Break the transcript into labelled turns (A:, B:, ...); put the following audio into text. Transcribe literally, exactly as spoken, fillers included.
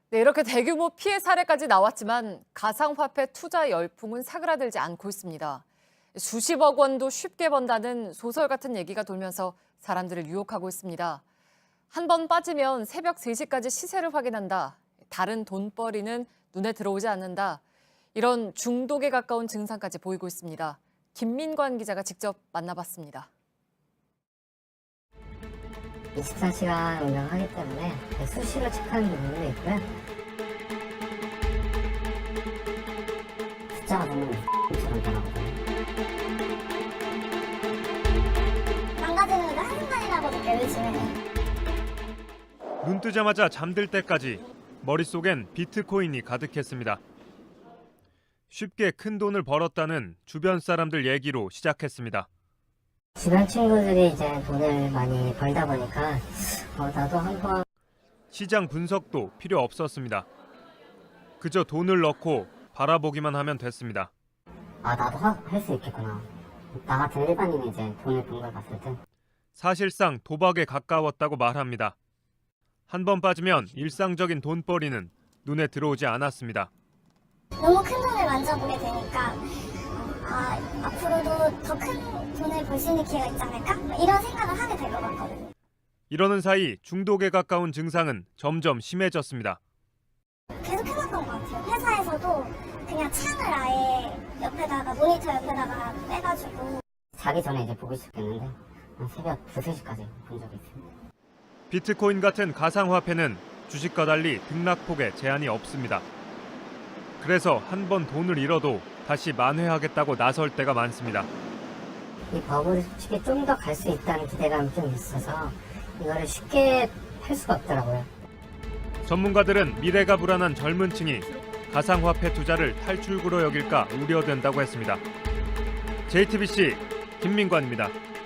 A: 네, 이렇게 대규모 피해 사례까지 나왔지만 가상화폐 투자 열풍은 사그라들지 않고 있습니다. 수십억 원도 쉽게 번다는 소설 같은 얘기가 돌면서 사람들을 유혹하고 있습니다. 한 번 빠지면 새벽 세 시까지 시세를 확인한다. 다른 돈벌이는 눈에 들어오지 않는다. 이런 중독에 가까운 증상까지 보이고 있습니다. 김민관 기자가 직접 만나봤습니다.
B: 이십사 시간 운영하기 때문에 수시로 체크하는 부분도 있고요. 숫자가 보면 처럼 변하거든요.
C: 망가지는 거 한순간이라고 느껴요, 요즘에.
D: 눈 뜨자마자 잠들 때까지 머릿속엔 비트코인이 가득했습니다. 쉽게 큰 돈을 벌었다는 주변 사람들 얘기로 시작했습니다.
B: 주변 친구들이 이제 돈을 많이 벌다 보니까 어, 나도 한번
D: 시장 분석도 필요 없었습니다. 그저 돈을 넣고 바라보기만 하면 됐습니다.
B: 아 나도 할 수 있겠구나. 나 같은 일반인이 이제 돈을 번 걸 봤을 때
D: 사실상 도박에 가까웠다고 말합니다. 한 번 빠지면 일상적인 돈벌이는 눈에 들어오지 않았습니다.
C: 너무 큰 돈을 만져보게 되니까 아, 앞으로도 더 큰 돈을 벌 수 있는 기회가 있지 않을까? 이런 생각을 하게 될 것 같거든요.
D: 이러는 사이 중독에 가까운 증상은 점점 심해졌습니다.
C: 계속 해봤던 것 같아요. 회사에서도 그냥 창을 아예 옆에다가 모니터 옆에다가 빼가지고
B: 자기 전에 이제 보기 시작했는데 한 새벽 두세 시까지 본 적이 있습니다.
D: 비트코인 같은 가상화폐는 주식과 달리 등락폭에 제한이 없습니다. 그래서 한 번 돈을 잃어도 다시 만회하겠다고 나설 때가 많습니다.
B: 이 버블이 솔직히 좀 더 갈 수 있다는 기대감이 좀 있어서 이거를 쉽게 할 수가 없더라고요.
D: 전문가들은 미래가 불안한 젊은 층이 가상화폐 투자를 탈출구로 여길까 우려된다고 했습니다. 제이티비씨 김민관입니다.